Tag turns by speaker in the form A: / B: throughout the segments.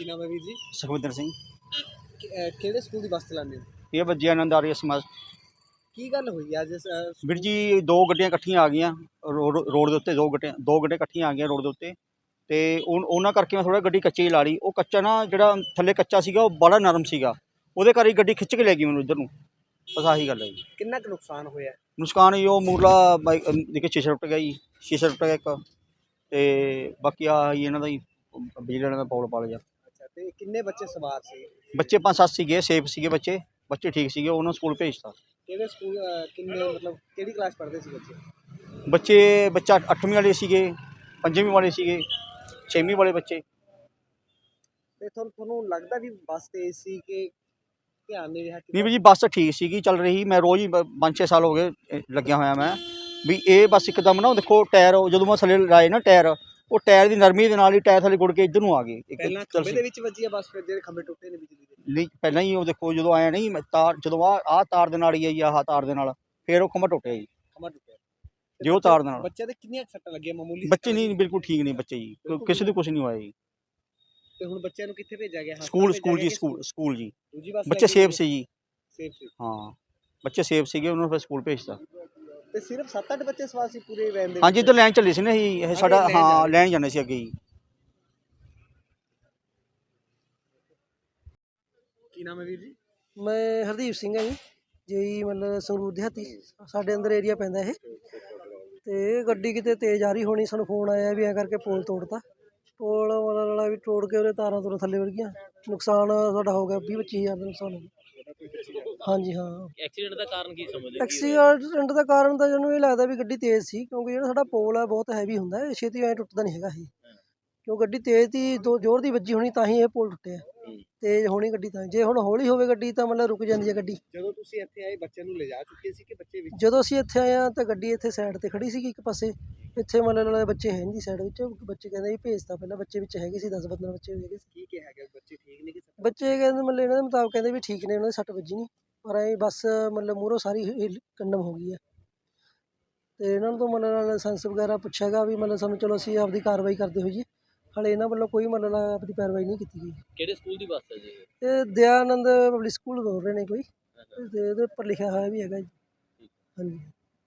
A: नाम है वीर जी?
B: सुखविंदर सिंह।
A: ਕਿਹੜੇ ਸਕੂਲ ਦੀ ਬੱਸ ਚਲਾਉਂਦੇ ਹੋ?
B: ये बज्जी आनंद आर्य समाज।
A: ਕੀ ਗੱਲ ਹੋਈ ਅੱਜ
B: ਵੀਰ ਜੀ ਦੋ ਗੱਡੀਆਂ ਇਕੱਠੀਆਂ ਆ ਗਈਆਂ ਰੋਡ ਦੇ ਉੱਤੇ, ਦੋ ਗੱਡੀਆਂ ਇਕੱਠੀਆਂ ਆ ਗਈਆਂ ਰੋਡ ਦੇ ਉੱਤੇ, ਤੇ ਉਹਨਾਂ ਕਰਕੇ ਮੈਂ ਥੋੜਾ ਗੱਡੀ ਕੱਚੀ ਲਾ ਲਈ। ਉਹ ਕੱਚਾ ਨਾ ਜਿਹੜਾ ਥੱਲੇ ਕੱਚਾ ਸੀਗਾ ਉਹ ਬੜਾ ਨਰਮ ਸੀਗਾ, ਉਹਦੇ ਕਰਕੇ ਗੱਡੀ ਖਿੱਚ ਕੇ ਲੈ ਗਈ ਮੈਨੂੰ ਇੱਧਰ ਨੂੰ। ਬਸ ਆਹੀ ਗੱਲ ਹੈ ਜੀ।
A: ਕਿੰਨਾ ਕੁ ਨੁਕਸਾਨ ਹੋਇਆ?
B: ਨੁਕਸਾਨ ਜੀ ਉਹ ਮੂਰਲਾ ਬਾਈਕ ਦੇਖੇ ਸ਼ੀਸ਼ਾ ਟੁੱਟ ਗਿਆ ਜੀ, ਸ਼ੀਸ਼ਾ ਟੁੱਟ ਗਿਆ ਇੱਕ, ਤੇ ਬਾਕੀ ਆਹ ਹੀ ਇਹਨਾਂ ਦਾ ਹੀ ਬਿਜਲੀ ਵਾਲਿਆਂ ਦਾ ਪੌਲ ਪਾ ਲਿਆ।
A: ਅੱਛਾ, ਤੇ ਕਿੰਨੇ ਬੱਚੇ ਸਵਾਰ ਸੀ?
B: ਬੱਚੇ 5-7 ਸੀਗੇ, ਸੇਫ ਸੀਗੇ ਬੱਚੇ ਠੀਕ ਸੀਗੇ, ਉਹਨਾਂ ਨੂੰ ਸਕੂਲ ਭੇਜਤਾ।
A: ਕਿਹੜੇ ਸਕੂਲ ਕਿੰਨੇ ਮਤਲਬ ਕਿਹੜੀ ਕਲਾਸ ਪੜ੍ਹਦੇ ਸੀ ਬੱਚੇ?
B: ਬੱਚਾ 8ਵੀਂ ਵਾਲੇ ਸੀਗੇ, 5ਵੀਂ ਵਾਲੇ ਸੀਗੇ, 6ਵੀਂ ਵਾਲੇ ਬੱਚੇ।
A: ਤੇ ਤੁਹਾਨੂੰ ਲੱਗਦਾ ਵੀ ਬੱਸ ਤੇਜ਼ ਸੀ ਕਿ ਧਿਆਨ ਨਹੀਂ ਰਿਹਾ?
B: ਨਹੀਂ ਵੀ ਜੀ ਬੱਸ ਠੀਕ ਸੀਗੀ, ਚੱਲ ਰਹੀ। ਮੈਂ ਰੋਜ਼ ਹੀ 5-6 ਸਾਲ ਹੋ ਗਏ ਲੱਗਿਆ ਹੋਇਆ ਮੈਂ ਵੀ ਇਹ ਬੱਸ ਇੱਕਦਮ ਨਾ ਦੇਖੋ ਟਾਇਰ ਜਦੋਂ ਮੈਂ ਥੱਲੇ ਲਾਏ ਨਾ ਟਾਇਰ, ਉਹ ਟਾਇਰ ਦੀ ਨਰਮੀ ਦੇ ਨਾਲ ਹੀ ਟਾਇਰ ਥੱਲੇ ਗੁੜ ਕੇ ਇੱਧਰ ਨੂੰ ਆ ਗਏ।
A: ਪਹਿਲਾਂ ਖੰਭੇ ਦੇ ਵਿੱਚ ਵੱਜੀ ਆ ਬੱਸ, ਫਿਰ ਜਿਹੜੇ ਖੰਭੇ ਟੁੱਟੇ ਨੇ ਬਿਜਲੀ ਦੇ?
B: ਨਹੀਂ ਪਹਿਲਾਂ ਹੀ ਉਹ ਦੇਖੋ ਜਦੋਂ ਆਇਆ ਨਹੀਂ ਤਾਰ, ਜਦੋਂ ਆਹ ਤਾਰ ਦੇ ਨਾਲ ਹੀ ਆਈ, ਆਹ ਤਾਰ ਦੇ ਨਾਲ ਫਿਰ ਉਹ ਖੰਭਾ ਟੁੱਟਿਆ ਜੀ।
A: ਖੰਭਾ ਟੁੱਟਿਆ
B: ਜੇ ਉਹ ਤਾਰ ਦੇ ਨਾਲ।
A: ਬੱਚਿਆਂ ਦੇ ਕਿੰਨੀਆਂ ਸੱਟਾਂ ਲੱਗੀਆਂ? ਮਾਮੂਲੀ
B: ਬੱਚੇ ਨਹੀਂ, ਬਿਲਕੁਲ ਠੀਕ ਨਹੀਂ ਬੱਚੇ ਜੀ, ਕਿਸੇ ਦੇ ਕੁਝ ਨਹੀਂ ਹੋਇਆ ਜੀ।
A: ਤੇ ਹੁਣ ਬੱਚਿਆਂ ਨੂੰ ਕਿੱਥੇ ਭੇਜਿਆ ਗਿਆ?
B: ਸਕੂਲ ਜੀ, ਸਕੂਲ ਜੀ। ਬੱਚੇ ਸੇਫ ਸੀ ਜੀ।
A: ਸੇਫ ਸੀ?
B: ਹਾਂ ਬੱਚੇ ਸੇਫ ਸੀਗੇ, ਉਹਨਾਂ ਨੂੰ ਫਿਰ ਸਕੂਲ ਭੇਜਤਾ।
A: ਤੇ ਸਿਰਫ 7-8 ਬੱਚੇ ਸਵਾਰ ਸੀ ਪੂਰੇ ਵੈਨ ਦੇ?
B: ਹਾਂਜੀ, ਇੱਧਰ ਲੈਣ ਚੱਲੇ ਸੀ ਨਾ ਜੀ, ਇਹ ਸਾਡਾ ਹਾਂ ਲੈਣ ਜਾਂਦੇ ਸੀ ਅੱਗੇ ਜੀ।
A: ਕੀ ਨਾਮ ਹੈ ਵੀਰ ਜੀ?
C: ਮੈਂ ਹਰਦੀਪ ਸਿੰਘ ਹਾਂ ਜੀ ਮਤਲਬ ਸੰਗਰੂਰ ਦਿਹਾਤੀ ਸਾਡੇ ਅੰਦਰ ਏਰੀਆ ਪੈਂਦਾ ਇਹ। ਤੇ ਗੱਡੀ ਕਿਤੇ ਤੇਜ਼ ਆ ਰਹੀ ਹੋਣੀ, ਸਾਨੂੰ ਫੋਨ ਆਇਆ ਵੀ ਐਂ ਕਰਕੇ ਪੋਲ ਤੋੜਤਾ। ਪੋਲ ਮਤਲਬ ਵੀ ਤੋੜ ਕੇ ਉਹਦੇ ਤਾਰਾਂ ਤੂਰਾਂ ਥੱਲੇ ਵੜ ਗਈਆਂ। ਨੁਕਸਾਨ ਸਾਡਾ ਹੋ ਗਿਆ 20-25 ਹਜ਼ਾਰ ਦਾ ਨੁਕਸਾਨ ਹੋ ਗਿਆ। ਹਾਂਜੀ ਹਾਂ।
D: ਐਕਸੀਡੈਂਟ ਦਾ ਕਾਰਨ ਕੀ ਸਮਝਦੇ?
C: ਐਕਸੀਡੈਂਟ ਦਾ ਕਾਰਨ ਤਾਂ ਜਿਹਨੂੰ ਇਹ ਲੱਗਦਾ ਵੀ ਗੱਡੀ ਤੇਜ਼ ਸੀ, ਕਿਉਂਕਿ ਜਿਹੜਾ ਸਾਡਾ ਪੋਲ ਹੈ ਬਹੁਤ ਹੈਵੀ ਹੁੰਦਾ, ਇਹ ਛੇਤੀ ਐਂ ਟੁੱਟਦਾ ਨਹੀਂ ਹੈਗਾ ਇਹ। ਕਿਉਂ ਗੱਡੀ ਤੇਜ਼ ਦੀ ਜ਼ੋਰ ਦੀ ਵੱਜੀ ਹੋਣੀ ਤਾਂ ਹੀ ਇਹ ਪੋਲ ਟੁੱਟਿਆ। ਤੇਜ਼ ਹੋਣੀ ਗੱਡੀ ਤਾਂ, ਜੇ ਹੁਣ ਹੌਲੀ ਹੋਵੇ ਗੱਡੀ ਤਾਂ ਮਤਲਬ ਰੁਕ ਜਾਂਦੀ ਹੈ ਗੱਡੀ।
A: ਜਦੋਂ ਤੁਸੀਂ ਇੱਥੇ ਆਏ ਬੱਚਿਆਂ ਨੂੰ ਲਿਜਾ ਚੁੱਕੇ ਸੀ ਕਿ ਬੱਚੇ ਵਿੱਚ?
C: ਜਦੋਂ ਅਸੀਂ ਇੱਥੇ ਆਏ ਹਾਂ ਤਾਂ ਗੱਡੀ ਇੱਥੇ ਸਾਈਡ ਤੇ ਖੜੀ ਸੀਗੀ ਇੱਕ ਪਾਸੇ, ਇੱਥੇ ਮਤਲਬ ਬੱਚੇ ਹੈ ਨਹੀਂ ਸਾਈਡ ਵਿੱਚ। ਬੱਚੇ ਕਹਿੰਦੇ ਵੀ ਭੇਜਤਾ, ਪਹਿਲਾਂ ਬੱਚੇ ਵਿੱਚ ਹੈਗੇ ਸੀ 10-15 ਬੱਚੇ ਹੈਗੇ ਸੀ।
A: ਕੀ ਕਿਹਾ ਗਿਆ? ਬੱਚੇ ਠੀਕ ਨੇ ਕਿ?
C: ਬੱਚੇ ਕਹਿੰਦੇ ਮਤਲਬ ਇਹਨਾਂ ਦੇ ਮੁਤਾਬਕ ਕਹਿੰਦੇ ਵੀ ਠੀਕ ਨੇ, ਉਹਨਾਂ ਦੀ ਸੱਟ ਵੱਜੀ ਨਹੀਂ, ਪਰ ਇਹ ਬੱਸ ਮਤਲਬ ਮੂਹਰੋਂ ਸਾਰੀ ਕੰਡਮ ਹੋ ਗਈ ਹੈ। ਤੇ ਇਹਨਾਂ ਨੂੰ ਤਾਂ ਮਤਲਬ ਲਾਇਸੈਂਸ ਵਗੈਰਾ ਪੁੱਛਿਆ ਗਾ ਵੀ ਮਤਲਬ ਸਾਨੂੰ, ਚਲੋ ਅਸੀਂ ਆਪਦੀ ਕਾਰਵਾਈ ਕਰਦੇ ਹੋਈਏ, ਹਾਲੇ ਇਹਨਾਂ ਵੱਲੋਂ ਕੋਈ ਮਤਲਬ ਆਪਣੀ ਕਾਰਵਾਈ ਨਹੀਂ ਕੀਤੀ ਗਈ।
D: ਕਿਹੜੇ ਸਕੂਲ ਦੀ ਬੱਸ ਹੈ ਜੀ?
C: ਇਹ ਦਯਾਨੰਦ ਪਬਲਿਕ ਸਕੂਲ ਬੋਲ ਰਹੇ ਨੇ ਕੋਈ, ਤੇ ਇਹਦੇ ਉੱਪਰ ਲਿਖਿਆ ਹੋਇਆ ਵੀ ਹੈਗਾ ਜੀ। ਹਾਂਜੀ।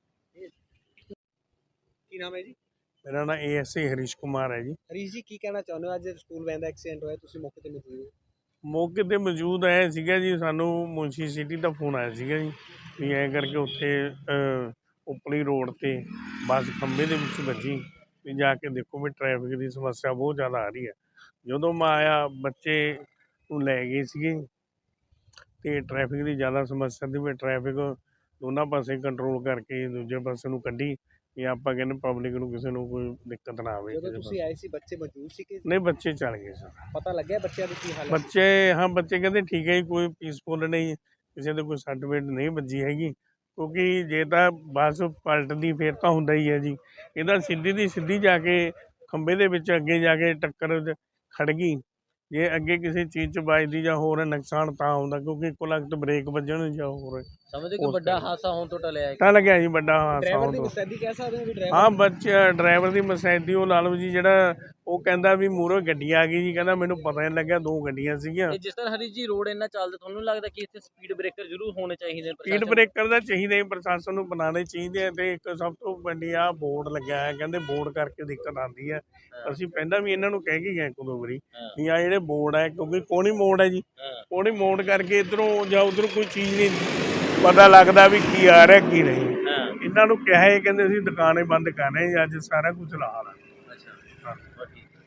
A: ਕੀ ਨਾਮ ਹੈ ਜੀ?
E: ਮੇਰਾ ਨਾਮ ASI ਹਰੀਸ਼ ਕੁਮਾਰ ਹੈ ਜੀ।
A: ਹਰੀਸ਼ ਜੀ, ਕੀ ਕਹਿਣਾ ਚਾਹੁੰਦੇ ਹੋ? ਅੱਜ ਸਕੂਲ ਵੈਨ ਦਾ ਐਕਸੀਡੈਂਟ ਹੋਇਆ, ਤੁਸੀਂ ਮੌਕੇ ਤੇ ਮੌਜੂਦ ਹੋ?
E: ਮੌਕੇ 'ਤੇ ਮੌਜੂਦ ਆਇਆ ਸੀਗਾ ਜੀ, ਸਾਨੂੰ ਮੁੰਸ਼ੀ ਸਿਟੀ ਦਾ ਫੋਨ ਆਇਆ ਸੀਗਾ ਜੀ ਵੀ ਐਂ ਕਰਕੇ ਉੱਥੇ ਉਪਲੀ ਰੋਡ 'ਤੇ ਬੱਸ ਖੰਭੇ ਦੇ ਵਿੱਚ ਵੱਜੀ, ਵੀ ਜਾ ਕੇ ਦੇਖੋ ਵੀ ਟ੍ਰੈਫਿਕ ਦੀ ਸਮੱਸਿਆ ਬਹੁਤ ਜ਼ਿਆਦਾ ਆ ਰਹੀ ਹੈ। ਜਦੋਂ ਮੈਂ ਆਇਆ ਬੱਚੇ ਨੂੰ ਲੈ ਗਏ ਸੀਗੇ, ਅਤੇ ਟ੍ਰੈਫਿਕ ਦੀ ਜ਼ਿਆਦਾ ਸਮੱਸਿਆ ਦੀ ਵੀ ਟ੍ਰੈਫਿਕ ਦੋਨਾਂ ਪਾਸੇ ਕੰਟਰੋਲ ਕਰਕੇ ਦੂਜੇ ਪਾਸੇ ਨੂੰ ਕੱਢੀ, ਵੀ ਆਪਾਂ ਕਹਿੰਦੇ ਪਬਲਿਕ ਨੂੰ ਕਿਸੇ ਨੂੰ ਕੋਈ ਦਿੱਕਤ ਨਾ ਆਵੇ।
A: ਜਦੋਂ ਤੁਸੀਂ ਆਏ ਸੀ ਬੱਚੇ ਮੌਜੂਦ ਸੀ ਕਿ
E: ਨਹੀਂ, ਬੱਚੇ ਚੱਲ ਗਏ ਸਰ।
A: ਪਤਾ ਲੱਗਿਆ ਬੱਚਿਆਂ ਦੀ ਕੀ ਹਾਲਤ?
E: ਬੱਚੇ ਕਹਿੰਦੇ ਠੀਕ ਹੈ ਜੀ, ਕੋਈ ਪੀਸਫੁਲ ਨਹੀਂ, ਕਿਸੇ ਦੇ ਕੋਈ ਸੱਟ ਫੇਟ ਨਹੀਂ ਵੱਜੀ ਹੈਗੀ। ਕਿਉਂਕਿ ਜੇ ਤਾਂ ਬੱਸ ਪਲਟਦੀ ਫਿਰ ਤਾਂ ਹੁੰਦਾ ਹੀ ਹੈ ਜੀ, ਇਹਦਾ ਸਿੱਧੀ ਦੀ ਸਿੱਧੀ ਜਾ ਕੇ ਖੰਭੇ ਦੇ ਵਿੱਚ ਅੱਗੇ ਜਾ ਕੇ ਟੱਕਰ ਖੜ ਗਈ। ਜੇ ਅੱਗੇ ਕਿਸੇ ਚੀਜ਼ 'ਚ ਵੱਜਦੀ ਜਾਂ ਹੋਰ ਨੁਕਸਾਨ ਤਾਂ ਹੁੰਦਾ, ਕਿਉਂਕਿ ਇੱਕੋ ਲਗਤ ਬ੍ਰੇਕ ਵੱਜਣ ਜਾਂ ਹੋਰ
D: ਸਮਝਦੇ ਕਿ ਵੱਡਾ ਹਾਦਸਾ ਹੋਣ ਤੋਂ ਟਲਿਆ
E: ਤਾਂ ਲੱਗਿਆ ਜੀ ਵੱਡਾ ਹਾਦਸਾ
A: ਡਰਾਈਵਰ
E: ਹੋਣ
A: ਦੀ
E: ਤੋਂ।
A: ਮੁਸਤੈਦੀ ਕਹਿ ਸਕਦੇ ਹੋ ਵੀ ਡਰਾਈਵਰ?
E: ਹਾਂ, ਡਰਾਈਵਰ ਦੀ ਮੁਸਤੈਦੀ ਉਹ ਲਾ ਲਓ ਜੀ, ਜਿਹੜਾ ਉਹ ਕਹਿੰਦਾ ਵੀ ਮੂਹਰੋਂ ਗੱਡੀ ਆ ਗਈ ਜੀ, ਕਹਿੰਦਾ ਮੈਨੂੰ ਪਤਾ ਨਹੀਂ ਲੱਗਿਆ, ਦੋ ਗੱਡੀਆਂ ਸੀਗੀਆਂ।
D: ਇਹ ਜਿਸ ਤਰ੍ਹਾਂ ਹਰੀਸ਼ ਜੀ ਰੋਡ ਇੰਨਾ ਚੱਲਦਾ, ਤੁਹਾਨੂੰ ਲੱਗਦਾ ਕਿ ਇੱਥੇ ਸਪੀਡ ਬ੍ਰੇਕਰ ਜ਼ਰੂਰ ਹੋਣੇ ਚਾਹੀਦੇ ਨੇ?
E: ਸਪੀਡ ਬ੍ਰੇਕਰ ਦਾ ਚਾਹੀਦਾ, ਪ੍ਰਸ਼ਾਸਨ ਨੂੰ ਬਣਾਉਣੇ ਚਾਹੀਦੇ ਆ। ਤੇ ਇੱਕ ਸਭ ਤੋਂ ਵੱਡੀ ਆ ਬੋਰਡ ਲੱਗਿਆ ਹੈ, ਕਹਿੰਦੇ ਬੋਰਡ ਕਰਕੇ ਦਿੱਕਤ ਆਉਂਦੀ ਹੈ। ਅਸੀਂ ਪਹਿਲਾਂ ਵੀ ਇਹਨਾਂ ਨੂੰ ਕਹਿ ਕੇ ਗਏ ਇੱਕ ਦੋ ਵਾਰੀ ਵੀ ਆ ਜਿਹੜੇ ਬੋਰਡ ਹੈ, ਕਿਉਂਕਿ ਕੋਣੀ ਮੋੜ ਹੈ ਜੀ, ਕੋਣੀ ਮੋੜ ਕਰਕੇ ਇੱਧਰੋਂ ਜਾਂ ਉੱਧਰੋਂ ਕੋਈ ਚੀਜ਼ ਨਹੀਂ ਪਤਾ ਲੱਗਦਾ ਵੀ ਕੀ ਆ ਰਿਹਾ ਕੀ ਨਹੀਂ। ਇਹਨਾਂ ਨੂੰ ਕਿਹਾ, ਇਹ ਕਹਿੰਦੇ ਅਸੀਂ ਦੁਕਾਨੇ ਬੰਦ ਕਰ ਰਹੇ ਹਾਂ, ਅੱਜ ਸਾਰਾ ਕੁਝ ਲਾ ਲਾ।
D: ਅੱਛਾ।